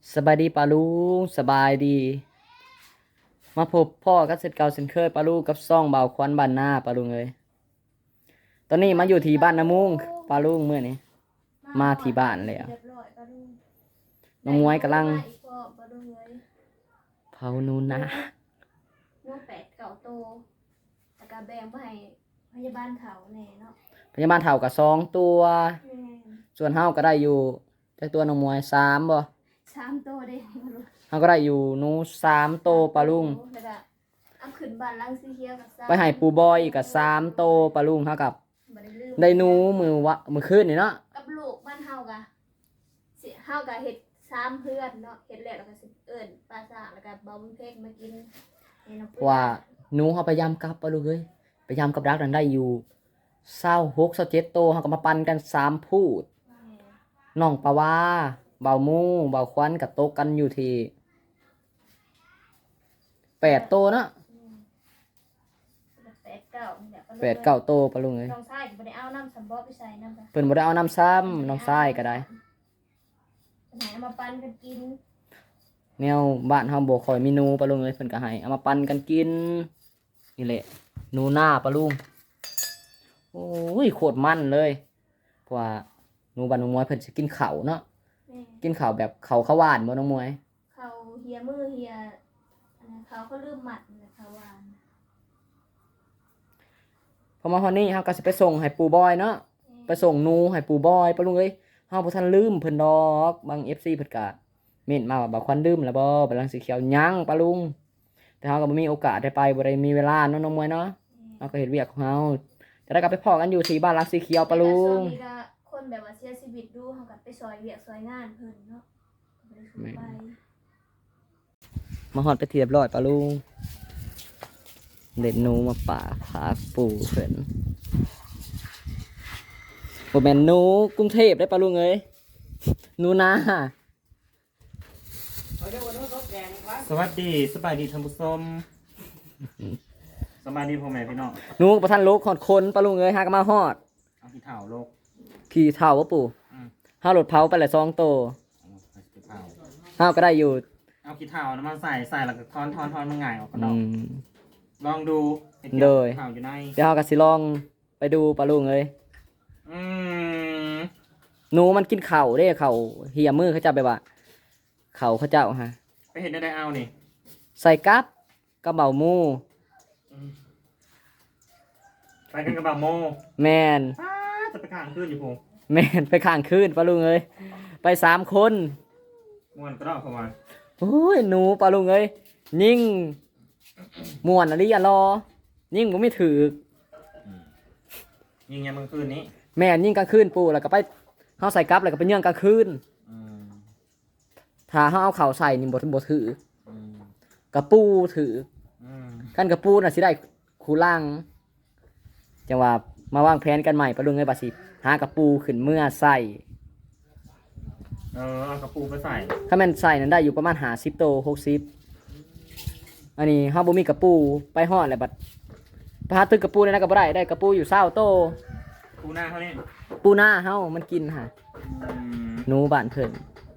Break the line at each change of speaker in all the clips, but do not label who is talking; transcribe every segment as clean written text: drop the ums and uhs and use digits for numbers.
สบายดีปาลุงสบายดีมาพบพ่อกับเสร็จเก่าเส้นเคยปาลุงกับซ่องเบาควันบ้านหน้าปาลุงเลยตอนนี้มาอยู่ที่บ้านน้ำมุงปาลุงเมื่อนี้มาที่บ้านเลยอ่ะน้องมวยกำลังเผานูนนะ
นูน8-9 โตแล้วก็แบ่งไปให้พยาบาลเขาแน่เนาะ
พยาบาลเฒ่ากับ2 ตัวส่วนเฮาก็ได้อยู่แต่ตัวน้องมวย3บ่
3 โตเด้
เฮาก็ได้อยู่หนู3 โตปาลุง
แล้วก็เอาขึ้นบ้านหลังสีเขียวกับ
ไปให้ปูบอยอีกกับ3 โตปาลุงเฮากับ
บ่ได้ลืม
ได้หนูมือคืนนี่เนาะ
กับลูกบ้านเฮากะสิเฮากะเฮ็ด3เพื่อนเนาะเฮ็ดแล้วก็สิเอิ้นปลาซ่าแล้วก็บ่บุญเพ็กมากิน
ว่าหนูเฮาพยายามกลับปาลุงเอ้ยพยายามกับรักนั้นได้อยู่26 27 โตเฮาก็มาปั่นกัน3พูดน้องปะวาเบามูเบาควันกับโตกันอยู่ที่8 โตเนาะ8-9 โตปะลุงเอ้ย
น้องชายก็บ่ได้เอาน้ำสำบ่ไปใส่น้ำ
เพิ่นบ่ได้เอาน้ำซ้ำน้องชายก็ได้
ให้เอามาปั่นกันกิน
แนวบ้านเฮาบ่ค่อยมีหนูปะลุงเอ้ยเพิ่นก็ให้เอามาปั่นกันกินนี่แหละหนูนาปะลุงโอ้ยโคตรมันเลยเพราะว่าหนูบ้านน้องมวยเพิ่นสิกินข้าวเนาะกินข้าวแบบข้าวหวานบ่น้องมวย
เขาเฮียมือเฮียเขาลืมหมัดนะเขาวาน
พอมาฮอดนี้เฮาก็สิไปส่งให้ปู่บอยเนาะไปส่งหนูให้ปู่บอยปะลุงเอ้ยเฮาบ่ทันลืมเพิ่นดอกบาง FC เพิ่นก็เม้นมาว่าบ่ควันลืมแล้วบ่บัดลังสีเขียวยังปะลุงแต่เฮาก็บ่มีโอกาสได้ไปบ่ได้มีเวลาเนาะน้องมวยเนาะเฮาก็เฮ็ดเวียกของเฮาจะได้กลับไปพ้อกันอยู่ที่บ้านลังสีเขียวปะลุง
คนแบบว่าเสียชีวิตดูเฮาก็ไปซอยเวียกซอยงานเพิ่นเนาะ
มาฮอดไปเรียบร้อยปะลุงเด็ดหนูมาป่าพาปู่เพิ่นบ่แม่นหนูกรุงเทพได้ปะลุงเอ้ยหนูนา
สวัสดีสบายดีท่านผู้ชมสบายดีพ่อแม่พี่น้อง
หนูประทันโลกฮอดคนปะลุงเอ้ยหาก็มาฮอด
เอาขี้เถ้าโลก
ขี่เท่าบ่ปู่เฮารถเผาไปละ2 โตเฮาก็ได้อยู่
เอาขี้เถ้าน้ำมันใส่แล้วก็ทอนมันง่ายออกกระดอกลองดู
โดย
เถ้าอยู่ใน
เดี๋ยวเฮาก็สิลองไปดูปะลุงเอ้ยหนูมันกินข้าวเด้ข้าวเหี่ยมือเขาเจ้าแบบว่าข้าวเขาเจ้าฮะ
ไปเห็นได้เอานี่
ใส่กับกระเบาหมู
ไปกันกระบะโม
แมน
จะไปข้างคืนอยู่พง
แมนไปข้างคืนปะลุงเอ้ยไป3 คน
ม่วนก็รอเข้ามา
โอ้ยหนูปะลุงเอ้ยยิ่งม่วนอะไรอย่ารอยิ่งผมไม่ถือ
ยิงยังเมื่อคืนนี้
แม่ยิ่งกลางคืนปูแล้วก็ไปเฮาใส่กับแล้วก็ไปเยื่องกลางคืนถ้าเฮาเอาเข่าใส่นี่บ่ถือกระปูถือกันกระปูน่ะสิได้คู่ล่างจังว่ามาวางแผนกันใหม่ปะลุงเอ้ยบาสิหากระปูขึ้นเมื่อใส่
เอากระปูไปใส่
ถ้าแม่นใส่นั้นได้อยู่ประมาณ50 โต 60อันนี้เฮาบ่มีกระปูไปฮอดแล้วบัดไปหาตึกกระปูได้ก็บ่ได้กระปูอยู่20 โต
ปูหน้าเขานี่
ปูหน้าเฮามันกินฮะหนูบ้านเพิ่น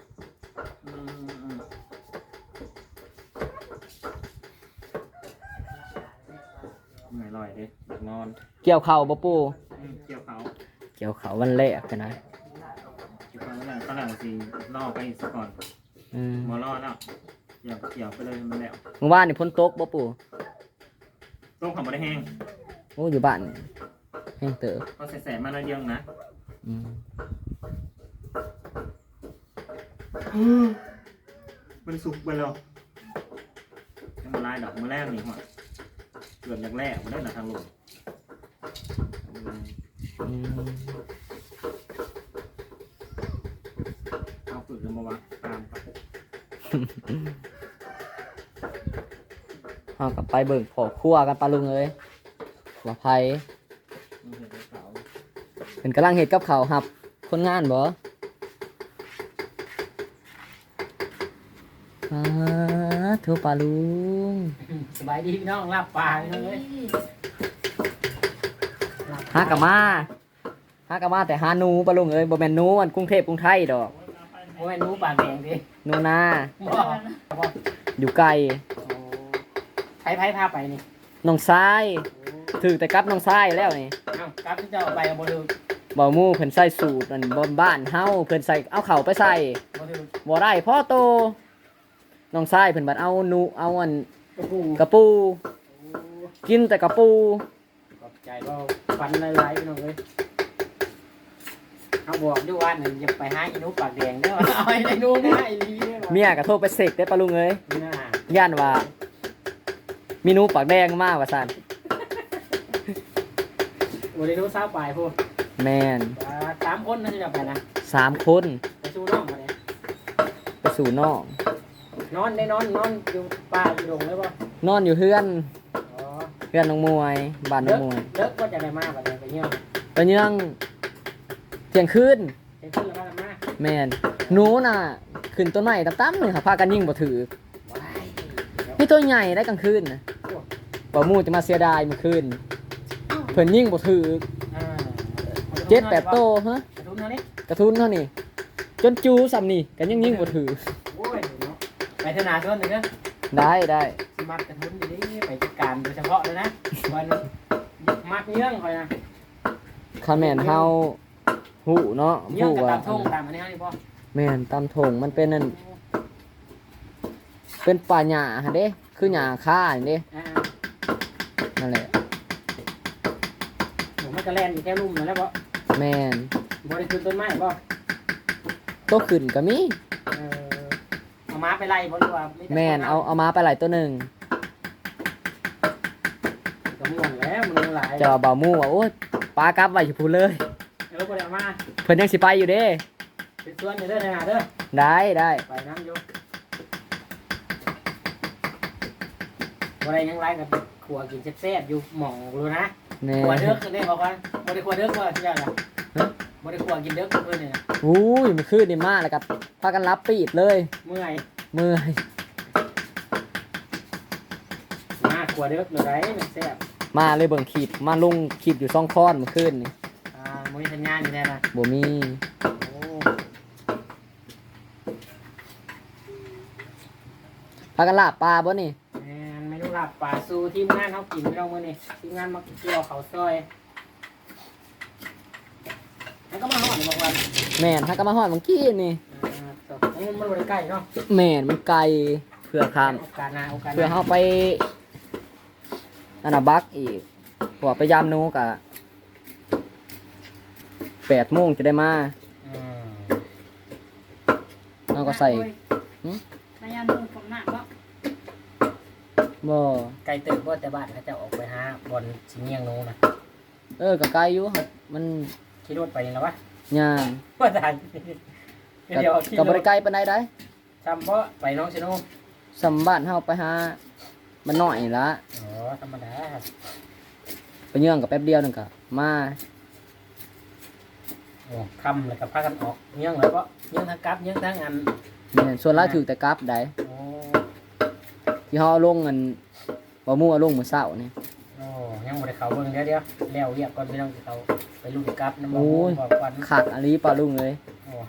ไม่อร่อยเด้นอน
เกี่ยวข้าวบ่ปู่
เกี่ยว
เขาวันแรกกันนะ
เกี่ยวเขาวันแรกก็หลังสิล่อไปอีกสักก่อนหมอล่อแล้วเกี่ยวไปเลยมันแล้ว
เมื่อวานนี่ฝนตกบ่ปู่
ต้มของบ่ได้แห้ง
โอ้อยู่บ้านแห้งเต๋อ
ก็แสบๆมาหน่อยเดียวนะมันสุกไปแล้วยังมาลายดอกมาแรกนี่หัวเกือบอย่างแรกมาได้หนาทางลงเอาฝึกกันมาวะตามไป
เฮากับไปเบิ่งขอครัวกันปลาลุงเอ้ยว่าไผเป็นกำลังเฮ็ดกับข้าวครับคนงานบ่ทุปลาลุง
สบายดีพี่น้องลาบปลาเลย
หากะมาแต่หาหนูปลาลุงเอ้ยบ่แม่นหนูอันกรุงเทพกรุงไทยดอก
โอ้ยหนูปากแดงดิ
หนูนา
บ่บ่
อยู่ไกล
โอ้ไผพาไปนี่
น้องทรายถือแต่กับน้องทรายแล้วนี่
เอ้ากลับที่เจ้าไปบ่ถึก
บ่หมู่เพิ่นใส่สูตรนั่นบ่บ้านเฮาเพิ่นใส่เอาเข้าไปใส่
บ่ถึก
บ่ได้พ่อโตน้องทรายเพิ่นบัดเอาหนูเอาอัน
กระปู
กระปู กินแต่กระปู
ขอบใจบ่ฟันหลายๆพี่น้องเอ้ยเขาบอกอยู่ว่านี่อย่าไปหาอีหนูปากแดงเด้อเอาไอ้หนูมาอีหลีเด้อ
เมียก็โทรไปเสกได้ปะลุงเอ้ย
น่า
ย่านว่ามีหนูปากแดงมาว่าซั่น
บ่ได้หนูสาวปลายพูด
แม่น
3คนนะที่จะไปนะ
3 คน
ไปสู้น้องมาเนี่ย
ไปสู่น้อง
นอนอยู่ป่าอยู่ดงเลยป่ะ
นอนอยู่เฮือน
อ๋อ
เฮือนน้องมวยบ้านน้องมวย
เลิกก็จะได้มาแบบนี้ไปเยี่ยม
ตอนยังเที่ยงคืน
เห็นขึ้นแล้วมา
แม่นหนูน่ะขึ้นต้นไม้ตั้มๆหนึงค่ะพากันยิงบ่ถือ
ว้าย
นี่ตัวใหญ่ได้กลางคืนนะบ่หมู่จะมาเสียดายเมื่อคืนเพิ่นยิงบ่ถือ 7-8โตฮะ
กระทุนเท่านี้
กระทุนเท่านี้จนจูซ้ำนี่กันยังยิงบ่ถือ
โอ้ยเนาะไปธนาชนหนึ่งนะ
ได้ได้
สิมัดกระทุนอยู่นี่ไปจัดการโดยเฉพาะเลยนะวันมัดเยื่องคอยนะ
คันแม่นเฮาหูเนาะ
เยื่อง
หู
กับ
ว่า
ตามทุ่งตามอันนี้นี่พ่อ
แม่นตามถงมันเป็นนั่นเป็นป่าหญ้าหั่นเด้คือหญ้าค่านี่เด้
อ่า
นั่นแหละ
ผมมันก็แล่นอยู่แค่ลุ่มนั่นแหล้วพ่อ
แม่น
บริขึ้นต้นไม้พ่อ
โตขึ้นก็มี
เอาม้าไปไล่บ่หรือว่า
แม่นเอามาไปหลายตัวหนึง
ก็ม่วนแล้วมันหลาย
เจ้าบ่าวหมู่ว่าโอ๊ยปลากลับไว้อยู่พูนเลย
แล้วบ่ได้เอามา
เพิ่นยังสิไปอยู่เด้
เป็นส่วนอยู่เด้อนะเด้อ
ได้ได้
ไปน้ำอยู่บ่ได้ยังไรกับขัวกินแซ่บๆอยู่หม่องรู้นะ
แม่
ขัวเด้อคือได้บอกว่าบ่ได้ขัวเด้อว่าที่ยาน่ะบ่ได้ขัวกินเด้อกับเพิ่นนี่นะ
อุ้ยมันคืนนี่มาแล้วก็พากันรับปีดเลย
เมื่อย
เมื่อย
มาขัวเด้อเลยได้มันแซ่บ
มาเลยเบิ่งคลิปมาลงคลิปอยู่2ค้อนเมื่อคืนนี่
บ่มีสัญญาณอยู่แน่นะ
บ่มี
โอ้
พากันลาบปลาบ่นี่
แม่นเมนูลาบปลาซูทีมงานเฮากินเรามื้อนี้ทีมงานมาเกี่ยวข้าวซอยแล้วก็มาฮอดนี่บอกว่า
แม่นถ้าก็มาฮอดเมื่อกี้นี่
มันบ่ได้ใกล้เนาะ
แม่นมันไกลเพื่อข้าม
โอกาสหน้าโอกาสห
เพื่อ
น้า
เฮาไปนั่นน่ะบักอีกเพราะว่าไปยามหนูกะ8 โมงจะได้มา
อืม
เฮาก็ใส่
นายานุ่งผมหนักก็
บ่
ไกลเติบบ่แต่บ้านเขาจะออกไปหาบอลสิเงียงหนูนะ
ก็ไกลอยู่ครับมัน
ขี่รถไปนี่แล้ววะ
ย่าง
ว่าได้
ก็
เดี๋ยวขี่
ก็
ร
บ่
ถ
ได้ไกลปานใดได้
จำบ่ไปน้องชิโน่
สำบ้านเฮาไปหามันน้อยนี่ละ
อ๋อธรรมดา
ไปเยื่องกับแป๊บเดียวนึงก็มา
โอ้คำเลยกับพากันออกเงียงเลยเพราะเงียงทั้งกลับเงียงทั้งอัน
แม่นส่วนหลายถือแต่กลับได้
โอ้
ที่เฮาเอาลงเงินบ่มู่เอาลงมื้อเช้านี่
โอ้ยังบ่ได้เข้าเบิ่งเดี๋ยวแล้วเรียกก่อนพี่น้องสิเขาไปลุ้นกลับน้ำมันบอกควัน
คักอันนี้ปลาลุงเลย
โอ้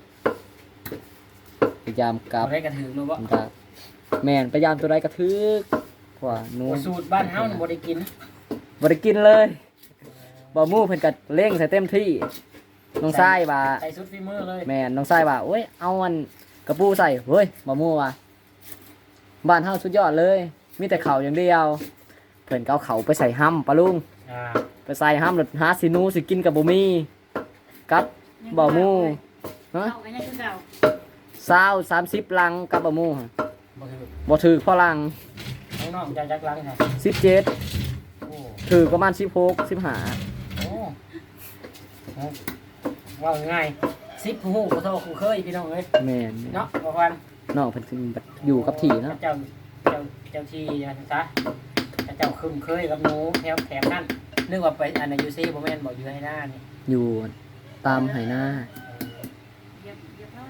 พยายามกลับ
บ่ได้กระถือรู้บ่
มันก็แม่นพยายามตัวใดก็ถึกกว่าหนู
โอ้สูตรบ้านเฮานี่บ่ได้กิน
บ่ได้กินเลยบ่มู่เพิ่นก็เร่งใส่เต็มที่น้องชายว่า
ใส่สุดฝีมือเลย
แม่นน้องชายว่าโอ้ยเอาอันกระปูใส่เฮ้ยบ่มู่ว่าบ้านเฮาสุดยอดเลย มีแต่ข้าวอย่างเดียวเพิ่นก็เอาข้าวไปใส่ห้ำปลาลุง
อ่า
ไปใส่ห้ามรถหาสิหนูสิกินกับบ่มีกับบ่หมูฮะ
เก่ากันยังคือเก่า
20 30ลังกับบ่หมูฮะ
บ่ถือ
บ่ถือพอลัง
น้องๆจะจักลังค่ะ
17
โอ้
ถือประมาณ16 15
โอ้โหว่าง่ายซิปหูกระโทกหูเคยพี่น้องเอ้ย
แม่น
เนาะประวัน
น้องเพิ่นสิอยู่กับที่เนาะ
เจ้าที่อย่างซะเจ้าคึมเคยกับหนูแถมนั่นนึกว่าไปอันยูซีบ่แม่นบอกอยู่ให้หน้านี่
อยู่ตามไหนา
เรียบร้อย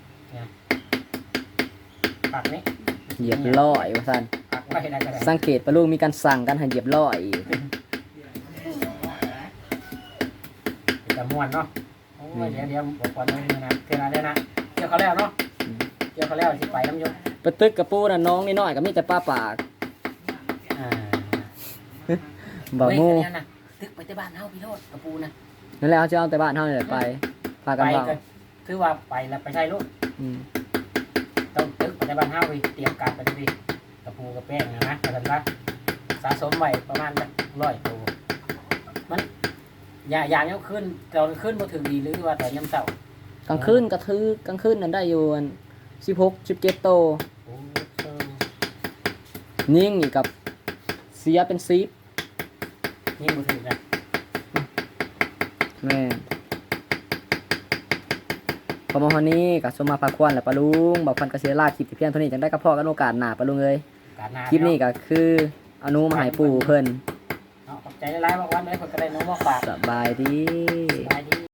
ปักนี้
เหยียบร้อยว่าซั่น
ปักไว้ได้ก็ได้
สังเกตปะลูกมีการสั่งกันให้เหยียบร้อยอีก
จะม่วนเนาะโอ้ยเดี๋ยวบอกก่อนนะเทนาได้นะเจ้ายวเขาแล้วเนาะเกี่ยวเขาแล้วสิไปน้ำยก
ไปตึกกับปูน่ะน้องนิดหน่อยก็มีแต่ป้าปาก
อ่า
บ่หมู่
เฮ้ยอันนี้นะตึกไปแต่บ้านเฮาพี่โลดกระปูนะ
นั่นแหละเขาจะเอาแต่บ้านเฮานี่แหละไปพากัน
ไป
เว้า
ก็ถือว่าไปแล้วไปใช้ลูก
อืม
ต้องตึกไปแต่บ้านเฮาไปเตรียมการไปดิกระปูกระแป้งนะแต่กันว่าสะสมไว้ประมาณ100ตัวมันอย่างนี้ขึ้นตอนขึ้นบ่ถึงดีหรือว่าตอนยามเช้าก
ลางคืนก็ถือกลางคืนนั่นได้อยู่อัน16 17โต
โอ้
ยิ่งอีกกับเสียเป็น10
ยิ่งบ่ถึงนะ
แม่พอมาวันนี้ก็สมมาพาควรแหละปะลุงบอกพันกระเสียลาคลิปที่เพียงเท่านี้จังได้กับพ่อกันโอกาสหน้าปะลุงเอ้ย
การนา
คลิปนี้ก็คืออนุมาให้ปู่เพิ่น
เนาะขอบใจหลายๆบอกวันเลยเพิ่นก็ได้น้องมาฝาก
สบายดี
สบาย